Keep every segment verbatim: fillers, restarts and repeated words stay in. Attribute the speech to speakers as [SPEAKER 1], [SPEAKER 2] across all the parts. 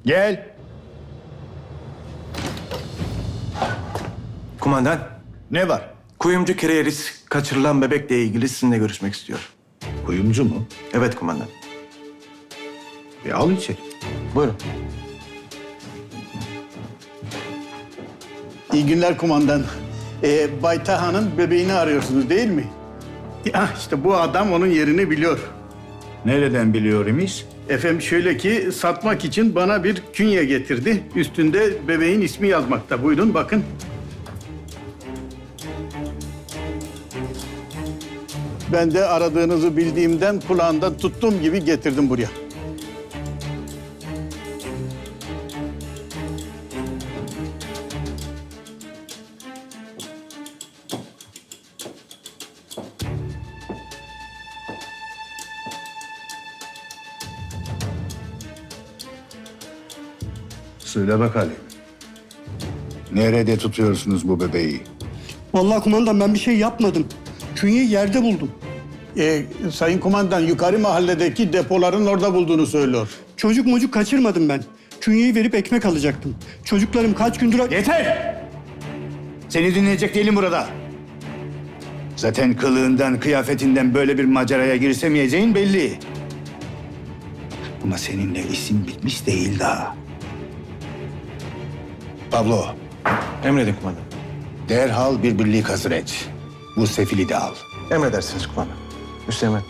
[SPEAKER 1] Gel.
[SPEAKER 2] Kumandan,
[SPEAKER 1] Ne var?
[SPEAKER 2] kuyumcu Kereyeris kaçırılan bebekle ilgili sizinle görüşmek istiyor.
[SPEAKER 1] Kuyumcu mu?
[SPEAKER 2] Evet kumandan.
[SPEAKER 1] E al içeri.
[SPEAKER 2] Buyurun.
[SPEAKER 3] İyi günler kumandan. Ee, Bay Taha'nın bebeğini arıyorsunuz değil mi? Ya işte bu adam onun yerini biliyor.
[SPEAKER 1] Nereden biliyor imiş?
[SPEAKER 3] Efendim şöyle ki satmak için bana bir künye getirdi. Üstünde bebeğin ismi yazmakta. Buyurun bakın. Ben de aradığınızı bildiğimden kulağından tuttuğum gibi getirdim buraya.
[SPEAKER 1] Söyle bakalım. Nerede tutuyorsunuz bu bebeği?
[SPEAKER 4] Vallahi kumandan ben bir şey yapmadım. Künyeyi yerde buldum.
[SPEAKER 3] Ee, Sayın kumandan yukarı mahalledeki depoların orada bulduğunu söylüyor.
[SPEAKER 4] Çocuk mocuk kaçırmadım ben. Künyeyi verip ekmek alacaktım. Çocuklarım kaç gündür...
[SPEAKER 1] Yeter! Seni dinleyecek değilim burada. Zaten kılığından, kıyafetinden böyle bir maceraya girsemeyeceğin belli. Ama seninle isim bitmiş değil daha. Pablo,
[SPEAKER 2] Emredin kumandan.
[SPEAKER 1] derhal bir birlik hazır et. Bu sefili de al.
[SPEAKER 2] Emredersiniz kumandan. Hüseyin.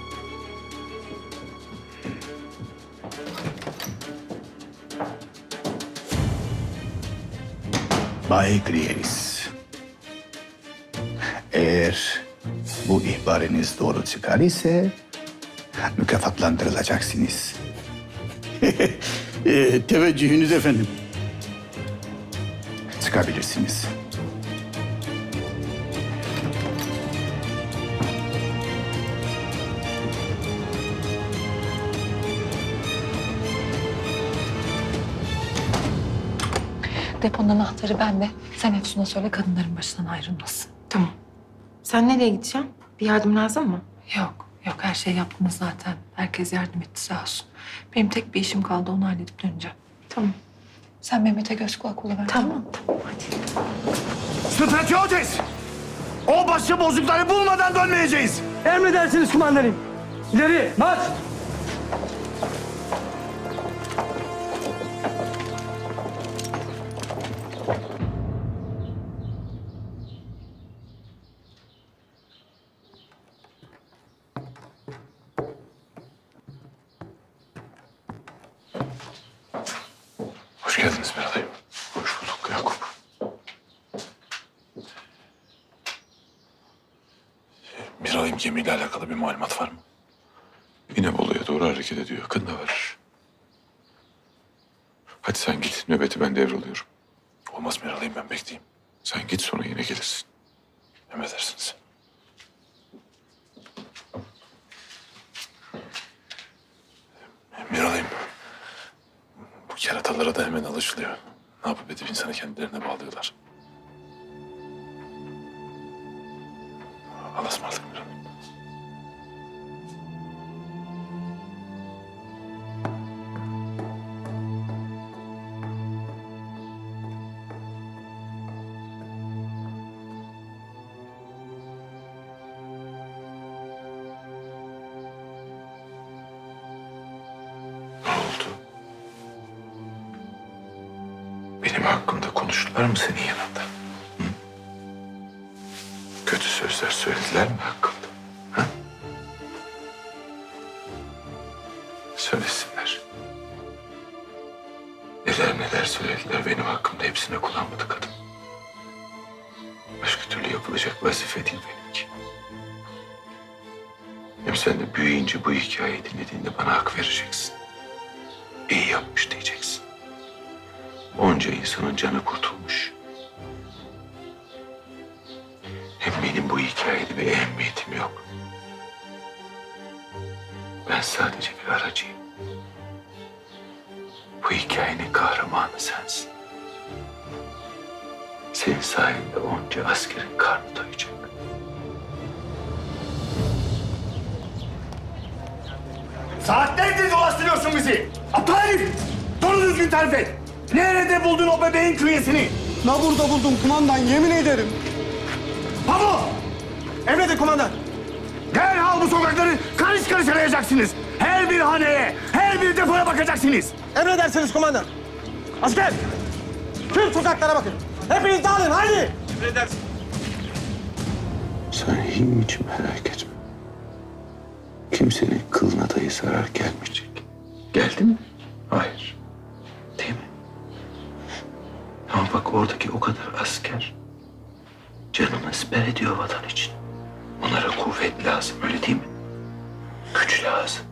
[SPEAKER 1] Bay Krieris. Eğer bu ihbarınız doğru çıkar ise mükafatlandırılacaksınız.
[SPEAKER 3] Ee, teveccühünüz efendim.
[SPEAKER 1] Çıkabilirsiniz.
[SPEAKER 5] Deponun anahtarı bende. Sen Efsun'a söyle kadınların başından ayrılmasın.
[SPEAKER 6] Tamam. Sen nereye gideceksin? Bir yardım lazım mı?
[SPEAKER 5] Yok, yok her şey yaptınız zaten. Herkes yardım etti sağ olsun. Benim tek bir işim kaldı onu halledip döneceğim.
[SPEAKER 6] Tamam.
[SPEAKER 5] Sen Mehmet'e göz kulak oluver.
[SPEAKER 6] Tamam, tamam. Hadi.
[SPEAKER 1] Stratiotes! O başı bozukları bulmadan dönmeyeceğiz.
[SPEAKER 4] Emredersiniz kumandanım. İleri marş!
[SPEAKER 7] Hoş geldiniz Miralay'ım. Hoş bulduk Yakup. Miralay'ım gemiyle alakalı bir malumat var mı? İnebolu'ya doğru hareket ediyor. Yakında var. Hadi sen git. Nöbeti ben devralıyorum. Olmaz Miralay'ım ben bekleyeyim. Sen git sonra yine gelirsin. Emredersiniz. Miralay'ım. Bu keratalara da hemen alışılıyor. Ne yapıp edip insanı kendilerine bağlıyorlar. Allah'a ısmarladık Miralay'ım. Ne oldu? Benim hakkımda konuştular mı senin yanında? Hı? Kötü sözler söylediler mi hakkımda? Ha? Söylesinler. Neler neler söylediler benim hakkımda, hepsine kullanmadı kadın. Başka türlü yapılacak vazife değil benimki. Hem sen de büyüyünce bu hikayeyi dinlediğinde bana hak vereceksin. İyi yapmış diyeceksin. Onca insanın canı kurtulmuş. Hem benim bu hikayede bir ehemmiyetim yok. Ben sadece bir aracıyım. Bu hikayenin kahramanı sensin. Senin sayende onca askerin karnı doyacak.
[SPEAKER 1] Saatlerdir dolaştırıyorsun bizi. Aptal herif! Dur Doğru düzgün tarif et. Nerede buldun o bebeğin künyesini?
[SPEAKER 4] La burada buldum kumandan, yemin ederim.
[SPEAKER 1] Pamuk!
[SPEAKER 2] Emredin kumandan.
[SPEAKER 1] Derhal bu sokakları karış karış arayacaksınız. Her bir haneye, her bir depoya bakacaksınız.
[SPEAKER 2] Emredersiniz kumandan. Asker! Tüm sokaklara bakın. Hepiniz dağılın, haydi!
[SPEAKER 7] Sen hiç merak etme. Kimsenin kılına dahi zarar gelmeyecek. Geldi mi? Hayır. Değil mi? Ama bak oradaki o kadar asker canını siper ediyor vatan için. Onlara kuvvet lazım, öyle değil mi? Güç lazım.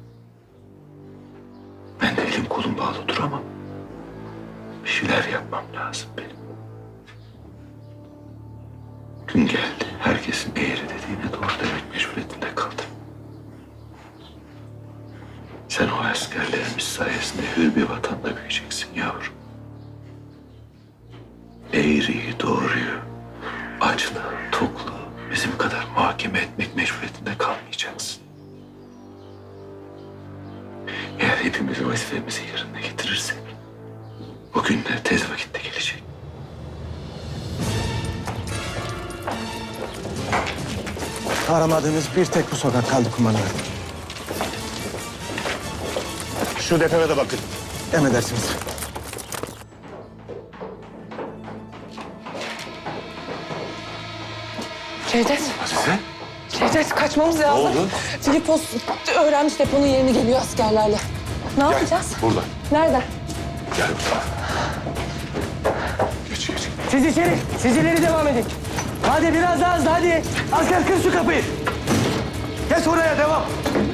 [SPEAKER 7] Ben de elim kolum bağlı duramam. Bir şeyler yapmam lazım benim. Gün geldi, herkesin eğri dediğine doğru demek mecburiyetinde kaldım. Sen o askerlerimiz sayesinde hür bir vatanda büyüyeceksin yavrum. Eğriyi, doğruyu, açlığı, tokluğu bizim kadar muhakeme etmek mecburiyetinde kalmayacaksın. Eğer hepimiz vazifemizi yerine getirirsek, o günler tez vakitte gelecek.
[SPEAKER 2] Aramadığımız bir tek bu sokak kaldı kumandan.
[SPEAKER 1] Şu depoya da bakın.
[SPEAKER 2] Emredersiniz.
[SPEAKER 6] Cevdet.
[SPEAKER 7] Azize?
[SPEAKER 6] Cevdet kaçmamız lazım.
[SPEAKER 7] oldu?
[SPEAKER 6] Filipos öğrenmiş deponun yerini, geliyor askerlerle. Ne yapacağız?
[SPEAKER 7] Burada.
[SPEAKER 6] Nerede?
[SPEAKER 7] Gel bu tarafa. Geç geç.
[SPEAKER 8] Siz içeri, siz ileri devam edin. Hadi biraz daha hızlı, hadi. Asker kır şu kapıyı.
[SPEAKER 2] Geç oraya, devam.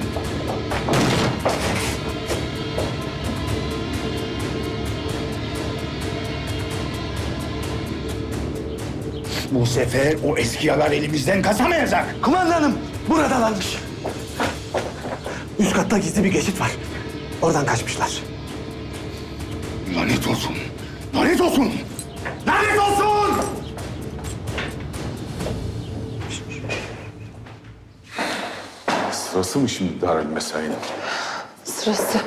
[SPEAKER 1] Bu sefer o eskiyalar elimizden kaçamayacak.
[SPEAKER 2] Kumandanım, buradalarmış. Üst katta gizli bir geçit var. Oradan kaçmışlar.
[SPEAKER 1] Lanet olsun. Lanet olsun. Lanet olsun!
[SPEAKER 7] Sırası mı şimdi Darül Mesai'nin?
[SPEAKER 6] Sırası.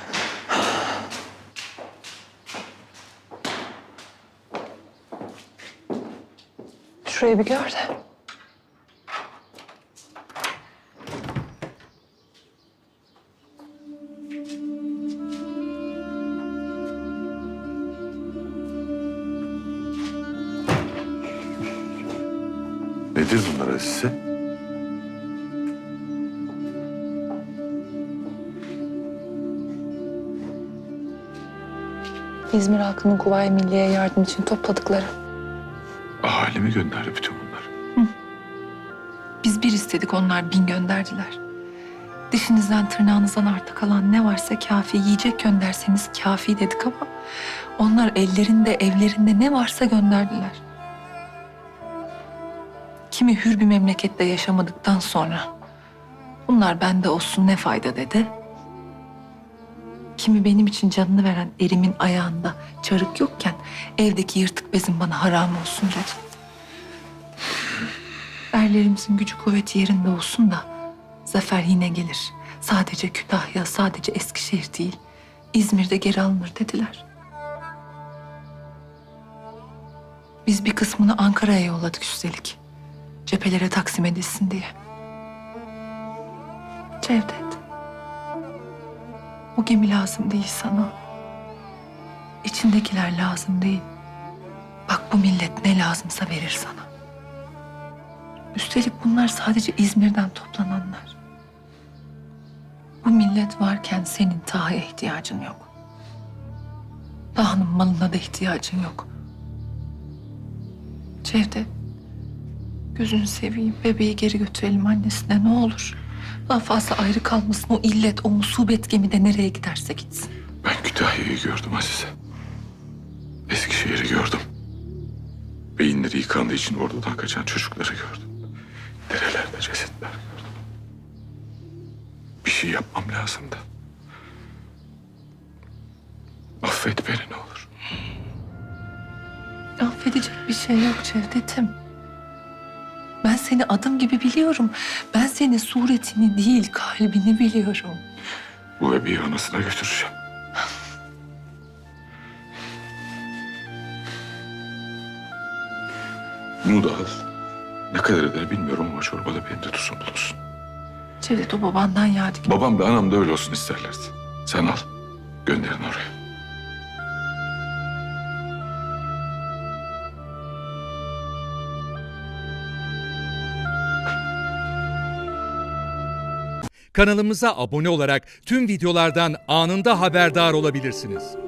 [SPEAKER 6] Şurayı bir gör de.
[SPEAKER 7] Nedir bunlar Azize?
[SPEAKER 5] İzmir halkının Kuvayi Milliye yardım için topladıkları.
[SPEAKER 7] Ahali mi gönderdi bütün bunları?
[SPEAKER 5] Biz bir istedik, onlar bin gönderdiler. Dişinizden tırnağınızdan arta kalan ne varsa kafi, yiyecek gönderseniz kafi dedik ama onlar ellerinde, evlerinde ne varsa gönderdiler. Kimi hür bir memlekette yaşamadıktan sonra bunlar bende olsun ne fayda dedi. Kimi benim için canını veren erimin ayağında çarık yokken evdeki yırtık bezim bana haram olsun dedi. Erlerimizin gücü kuvveti yerinde olsun da zafer yine gelir. Sadece Kütahya, sadece Eskişehir değil, İzmir'de geri alınır dediler. Biz bir kısmını Ankara'ya yolladık üstelik. Cephelere taksim edilsin diye. Cevdet, o gemi lazım değil sana. İçindekiler lazım değil. Bak bu millet ne lazımsa verir sana. Üstelik bunlar sadece İzmir'den toplananlar. Bu millet varken senin Taha'ya ihtiyacın yok. Taha'nın malına da ihtiyacın yok. Cevdet, gözünü seveyim, bebeği geri götürelim annesine ne olur. Daha fazla ayrı kalmasın, o illet, o musibet gemide nereye giderse gitsin.
[SPEAKER 7] Ben Kütahya'yı gördüm Azize. Eskişehir'i gördüm. Beyinleri yıkandığı için ordudan kaçan çocukları gördüm. Derelerde cesetler gördüm. Bir şey yapmam lazımdı. Affet beni ne olur.
[SPEAKER 5] Affedecek bir şey yok Cevdet'im. Ben seni adım gibi biliyorum. Ben senin suretini değil, kalbini biliyorum.
[SPEAKER 7] Bu bebeği anasına götüreceğim.
[SPEAKER 9] Bunu da al. Ne kadar eder bilmiyorum ama çorbada benim de tuzum bulunsun.
[SPEAKER 5] Cevdet o babandan yadigar.
[SPEAKER 9] Babam da anam da öyle olsun isterlerdi. Sen al, gönderin oraya.
[SPEAKER 10] Kanalımıza abone olarak tüm videolardan anında haberdar olabilirsiniz.